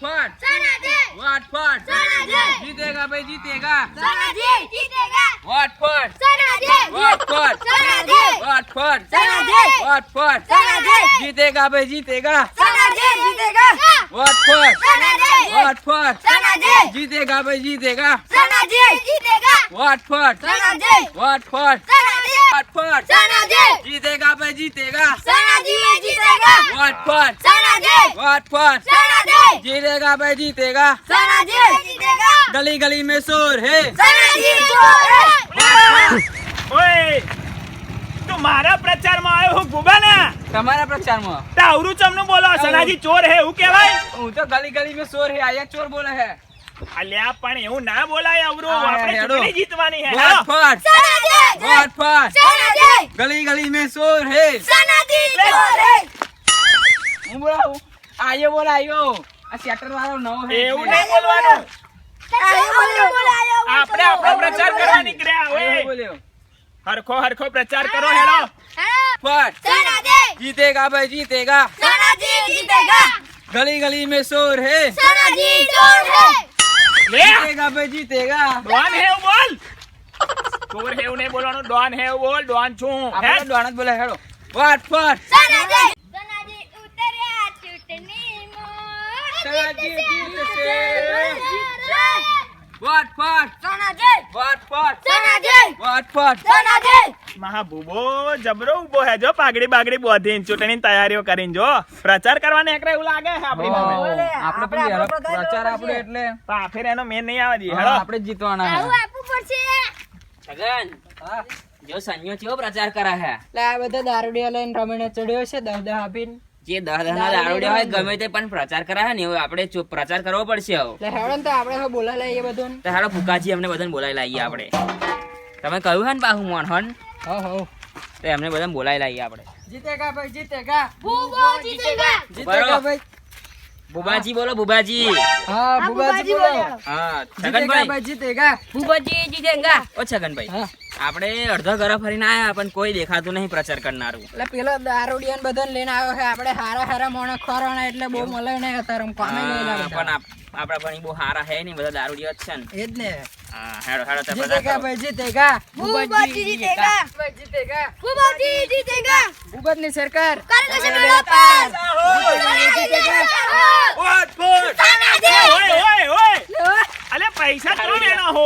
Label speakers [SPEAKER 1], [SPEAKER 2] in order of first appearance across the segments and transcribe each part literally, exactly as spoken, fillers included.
[SPEAKER 1] फट वाट फट जीतेगा भाई जीतेगा वाट फट वाट फट वाट फट वाट फट जीतेगा भाई जीतेगा वाट फट वाट फट जीतेगा भाई जीतेगा वाट फट वाट फट वाट फट जीतेगा भाई जीतेगा वाट फट वाट फट जीतेगा भाई जीतेगा गली गली में शोर है
[SPEAKER 2] ઓય તું મારા પ્રચારમાં આવ્યો હું ગુબાના
[SPEAKER 1] તમારા પ્રચારમાં
[SPEAKER 2] તાવરું ચમનું બોલો સનાજી ચોર હે હું કહેવાય
[SPEAKER 1] હું તો ગલી ગલી में शोर है आया चोर बोले है
[SPEAKER 2] અલ્યા પણ એવું ના બોલાય અવરું આપણે
[SPEAKER 1] હેડો.
[SPEAKER 2] ચૂંટણી જીતવાની હે
[SPEAKER 1] वाट
[SPEAKER 2] હેડો.
[SPEAKER 1] फट वाट फट गली गली में शोर है હું બોલાવું આયો બોલાયો આ શેટર વાળો નવો હે
[SPEAKER 2] એવું નહીં બોલવાનું આપણે આપણો પ્રચાર કરવા નીકળ્યા
[SPEAKER 1] આયો
[SPEAKER 2] ઓય
[SPEAKER 1] બોલ્યો
[SPEAKER 2] હરખો હરખો પ્રચાર કરો હેડો
[SPEAKER 1] फट जीतेगा भाई जीतेगा गली गली में शोर है
[SPEAKER 2] લે
[SPEAKER 1] जीतेगा भाई जीतेगा
[SPEAKER 2] ડોન હે એવું બોલ ચોર હે એવું નહીં બોલવાનું ડોન હે એવું બોલ ડોન છું હે
[SPEAKER 1] આપણે ડોન જ બોલે હેડો વાટ ફટ સનાજી જીતશે વાટ ફટ વાટ ફટ વાટ ફટ
[SPEAKER 2] મહાબુબો જબરો ઉભો હે જો પાઘડી બાગડી બોધીને ચૂંટણીની તૈયારીઓ કરીને જો પ્રચાર કરવા નીકળે એવું લાગે છે આપણી સામે
[SPEAKER 1] આપણે પેલી હેડો પ્રચાર આપણે એટલે
[SPEAKER 2] તો આ ફેર એનો મેન નહીં આવવા દઈએ
[SPEAKER 1] હા,
[SPEAKER 2] હેડો
[SPEAKER 1] આપણે જ જીતવાના છે
[SPEAKER 3] છગન જો સંયો ચેવો પ્રચાર કરે હે
[SPEAKER 4] એટલે આ બધા દારૂડિયા લઈને રમીને ચડ્યો છે દહ દહ આપીને
[SPEAKER 3] જે દહ દહ ના દારૂડિયા હોય ગમે તે પણ પ્રચાર કરે હે ને એવું આપણે ચૂપ પ્રચાર કરવો પડશે હવે
[SPEAKER 4] એટલે હેડો ને તો આપણે હવે બોલા લઈએ બધું
[SPEAKER 3] તો હાલો ફુકાજી અમને બધાને બોલાવી લાવીએ આપણે તમે કહ્યું હે ને પાહુ મોહન હન
[SPEAKER 4] હો હો
[SPEAKER 3] તો એમને બધાને બોલાવી લાવીએ આપણે
[SPEAKER 4] જીતેગા ભાઈ જીતેગા
[SPEAKER 3] બરોબર.
[SPEAKER 4] જીતેગા ભાઈ
[SPEAKER 3] બુબાજી બોલો બુબાજી
[SPEAKER 4] હા બુબાજી બોલો
[SPEAKER 3] હા
[SPEAKER 4] જીતેગા
[SPEAKER 3] છગનભાઈ
[SPEAKER 4] ભાઈ જીતેગા
[SPEAKER 3] બુબાજી જીતેગા ઓ છગનભાઈ
[SPEAKER 4] હા
[SPEAKER 3] આપણે અડધો ઘર ફરીને આયા પણ કોઈ દેખાતું નહીં પ્રચાર કરનારું
[SPEAKER 4] એટલે પેલો દારૂડિયા ને બધાને લઈને આવ્યો છે આપણે હારા હારા મોણે ખોરાણા એટલે બહુ મળે નહીં અત્યારે આમ કામે નહીં
[SPEAKER 3] હા,
[SPEAKER 4] લાગે
[SPEAKER 3] પણ આપ- આપણા ભણી બહુ સારા હે નહીં બધા દારૂડિયા જ છે ને
[SPEAKER 4] એ જ ને
[SPEAKER 3] હા હેડો હેડો તો પ્રચાર
[SPEAKER 4] જીતેગા
[SPEAKER 3] કરો.
[SPEAKER 4] ભાઈ જીતેગા
[SPEAKER 5] બુબાજી જીતેગા.
[SPEAKER 4] ભાઈ જીતેગા
[SPEAKER 5] બુબાજી જીતેગા.
[SPEAKER 4] ભૂપતની સરકાર
[SPEAKER 5] કાંગ્રેસ મેળા પાર.
[SPEAKER 2] વાટ ફટ ઓય ઓય ઓય અલે પૈસા તો લેના હો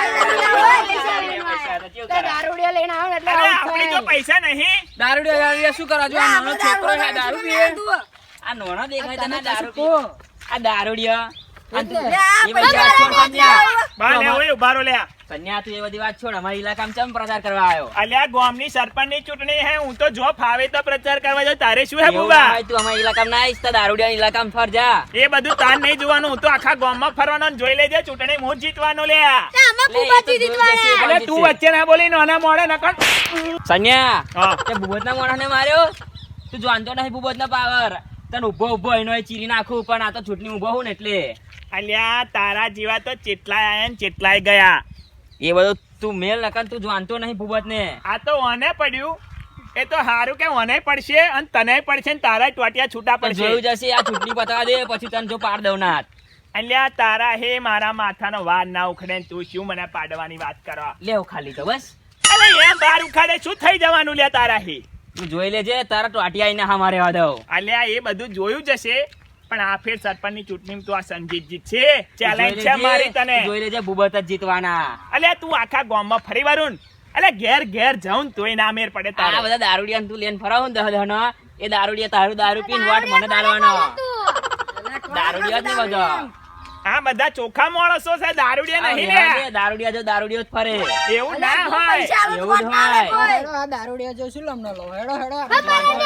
[SPEAKER 4] દારૂડિયા લઈને આવો ને એટલે
[SPEAKER 2] અરે
[SPEAKER 4] આવું
[SPEAKER 2] આપણી જો
[SPEAKER 4] થાય.
[SPEAKER 2] પૈસા નહીં
[SPEAKER 1] દારૂડિયા દારૂડિયા શું કરવા જો આ નાનો છોકરો છે દારૂ પીએ
[SPEAKER 3] આ નોણા દેખાય તને દારૂ
[SPEAKER 4] કો
[SPEAKER 3] આ દારૂડિયા આ તું-
[SPEAKER 4] એટલે
[SPEAKER 3] એ બધી વાત છોડ સંન્યા.
[SPEAKER 2] બા લે ઓય ઉભારો લે
[SPEAKER 3] સંન્યા તું એ બધી વાત છોડ અમારી ઇલાકામાં ચમ પ્રચાર કરવા આવ્યો
[SPEAKER 2] અલ્યા ગામની સરપંચની ચૂંટણી હે હું તો જો ફાવે તો પ્રચાર કરવા જાઉં તારે શું હે
[SPEAKER 3] એવું ના
[SPEAKER 2] બુબા
[SPEAKER 3] હોય, તું અમારી ઇલાકામાં ના આવીશ તો દારૂડિયા ઇલાકામાં ફર જા
[SPEAKER 2] એ બધું તાર નહીં જોવાનું હું તો આખા ગામમાં ફરવાનો ને જોઈ લેજે ચૂંટણી હું જ જીતવાનો લે
[SPEAKER 5] આમાં
[SPEAKER 3] લે, એ તો
[SPEAKER 5] બુબાજી
[SPEAKER 3] જોઈ
[SPEAKER 5] જીતવાના.
[SPEAKER 3] જશે.
[SPEAKER 2] અલે તું વચ્ચે ના બોલી નાના મોડે નકર
[SPEAKER 3] સંન્યા
[SPEAKER 2] હા
[SPEAKER 3] તે ભૂપતના મોઢાને માર્યો તું જાણતો નહીં ભૂપતનો પાવર તને ઉભો ઉભો એનો એ ચીરી નાખું પણ આ તો ચૂંટણી ઉભો હું ને એટલે
[SPEAKER 2] અલ્યા તારા જેવા તો ચેટલાય આયા ને ચેટલાય ગયા
[SPEAKER 3] એ બધું તું મેલ નકર તું જાણતો નહીં ભૂપતને
[SPEAKER 2] આ તો ઓને પડ્યું એ તો હારું કે ઓને પડશે અને તને પડશે ને તારા ટોટિયા છૂટા
[SPEAKER 3] પણ
[SPEAKER 2] પડશે
[SPEAKER 3] જોયું જશે આ ચૂંટણી પતાવા દે પછી તને જો પાડ દઉં ના હાથ.
[SPEAKER 2] અલ્યા તારા હે મારા માથાનો વાર ના ઉખડે ને તું શું મને પાડવાની વાત કરો
[SPEAKER 3] લેવ ખાલી તો બસ
[SPEAKER 2] અલે એમ બાર ઉખાડે શું થઈ જવાનું લે તારા હે
[SPEAKER 3] તું જોઈ લેજે તારા ટોટિયા આઈને હા મારે દઉં
[SPEAKER 2] અલ્યા એ બધું જોયું જશે પણ આ ફેર સરપંચની ચૂંટણીમાં તું આ સંજીત જીત છે ચેલેન્જ
[SPEAKER 3] જોઈ
[SPEAKER 2] છે
[SPEAKER 3] લેજે,
[SPEAKER 2] મારી તને
[SPEAKER 3] જોઈ લેજે ભૂપત જ જીતવાના
[SPEAKER 2] અલ્યા તું આખા ગામમાં ફરી વારું અલે ઘેર ઘેર જાઉં તોય ના મેર પડે
[SPEAKER 3] આ
[SPEAKER 2] તારે
[SPEAKER 3] બધા દારૂડિયા તું લેન ફરાવું ને દહ દહ નો એ દારૂડિયા તારું દારૂ પીને વાટ મને દાળવાનો દારૂડિયા જ ને બધા
[SPEAKER 2] આ બધા ચોખા માણસો છે દારૂડિયા નહીં લે
[SPEAKER 3] દારૂડિયા જો દારૂડિયો જ ફરે
[SPEAKER 2] એવું ના હોય
[SPEAKER 3] એવું જ હોય
[SPEAKER 4] હેડો આ દારૂડિયા જો શું લમને લો હેડો હેડો
[SPEAKER 3] આ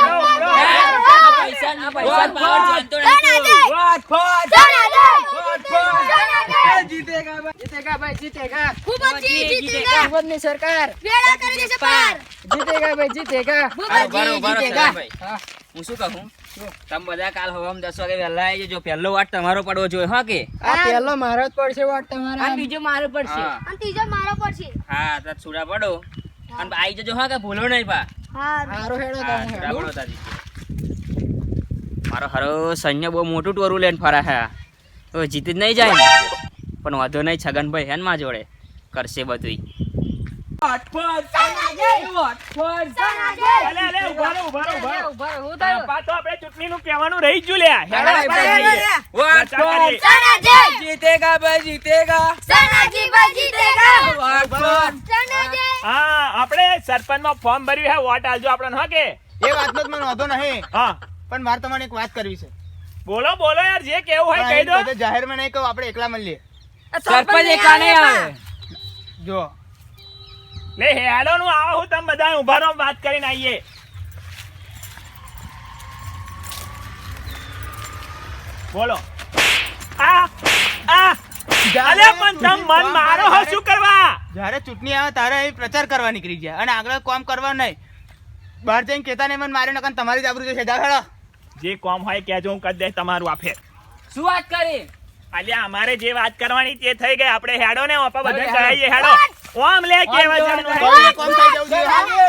[SPEAKER 3] પૈસા આ પૈસા પાવર જાણતો નહીં તું.
[SPEAKER 1] वाट फट वाट फट जीतेगा भाई
[SPEAKER 4] જીતેગા ભાઈ જીતેગા
[SPEAKER 5] બુબાજી જીતેગા.
[SPEAKER 4] ભૂપતની સરકાર
[SPEAKER 5] વેળા કરી દેશે પાર.
[SPEAKER 4] જીતેગા ભાઈ જીતેગા
[SPEAKER 3] હાલો, બરો, બરો,
[SPEAKER 4] જીતેગા.
[SPEAKER 3] સગાભાઈ.
[SPEAKER 4] હા
[SPEAKER 3] હું શું કહું તમે બધા કાલ હવામાં દસ વાગે વહેલા આવી જજો પહેલો વાટ તમારો પડવો જોઈએ હા કે
[SPEAKER 4] આ પહેલો મારો જ પડશે વાટ તમારા
[SPEAKER 3] બીજો મારો પડશે હા
[SPEAKER 5] અને ત્રીજો મારો પડશે.
[SPEAKER 3] હા તો છૂડા પડો અને આવી જજો હા કે ભૂલો નહીં પા
[SPEAKER 5] હારું.
[SPEAKER 4] હારો હેડો
[SPEAKER 3] હા,
[SPEAKER 4] તમે
[SPEAKER 3] છૂડા
[SPEAKER 4] હેડો
[SPEAKER 3] પડો તારી. મારો હરો સૈન્ય બહુ મોટું ટોરું લઈને ફરે છે તો જીતી જ નહીં જાય ને. પણ વાંધો નહીં, છગનભાઈ હેન માં જોડે કરશે બધું.
[SPEAKER 2] અલે, અલે, ઉભા રહો, ઉભા રહો, ઉભા રહો. આ પાછો આપણે ચૂંટણીનું કહેવાનું રહી જ ગયું લ્યા. હેડો આપણે જઈએ. પ્રચાર કરીએ.
[SPEAKER 5] સનાજી
[SPEAKER 1] જીતેગા ભાઈ જીતેગા
[SPEAKER 5] સનાજી ભાઈ જીતેગા
[SPEAKER 1] વોટ પર.
[SPEAKER 5] સનાજી
[SPEAKER 2] હા, આપણે સરપંચમાં ફોર્મ ભર્યું હે, વોટ આલજો આપણને, હા કે?
[SPEAKER 6] એ વાતનો તો મને વાંધો નહીં,
[SPEAKER 2] હા,
[SPEAKER 6] પણ મારે તમારે એક વાત કરવી છે.
[SPEAKER 2] બોલો બોલો યાર, જે કેવું હોય
[SPEAKER 6] પણ
[SPEAKER 2] કહી દો.
[SPEAKER 6] અહીં બધે જાહેરમાં નહીં કહું, આપણે એકલા મળીએ.
[SPEAKER 1] સરપંચ એકલા નહીં આવે.
[SPEAKER 6] જો
[SPEAKER 2] લે હેડો નું આવો, હું તમે બધા ઉભા રહો, વાત કરીને આવીએ. બોલો. આ આ અલે પણ તમ મન મારો હો, શું કરવા?
[SPEAKER 6] જ્યારે ચૂંટણી આવે તારે અહીં પ્રચાર કરવા નીકળી ગયા અને આગળ કામ કરવા નહીં. બહાર જઈને કહેતા નહીં મને માર્યો નકર તમારી જ આબરૂ જશે. જા હેડો.
[SPEAKER 2] જે કોમ હોય કહેજો, હું કરી દઈશ તમારું આ ફેર.
[SPEAKER 1] શું વાત કરી?
[SPEAKER 2] અલ્યા અમારે જે વાત કરવાની તે થઈ ગઈ, આપણે હેડો ને ઓપા બધા જઈએ. હેડો ઓમ લે કેવા જણનું
[SPEAKER 6] બહુ કામ થઈ જવું જોઈએ.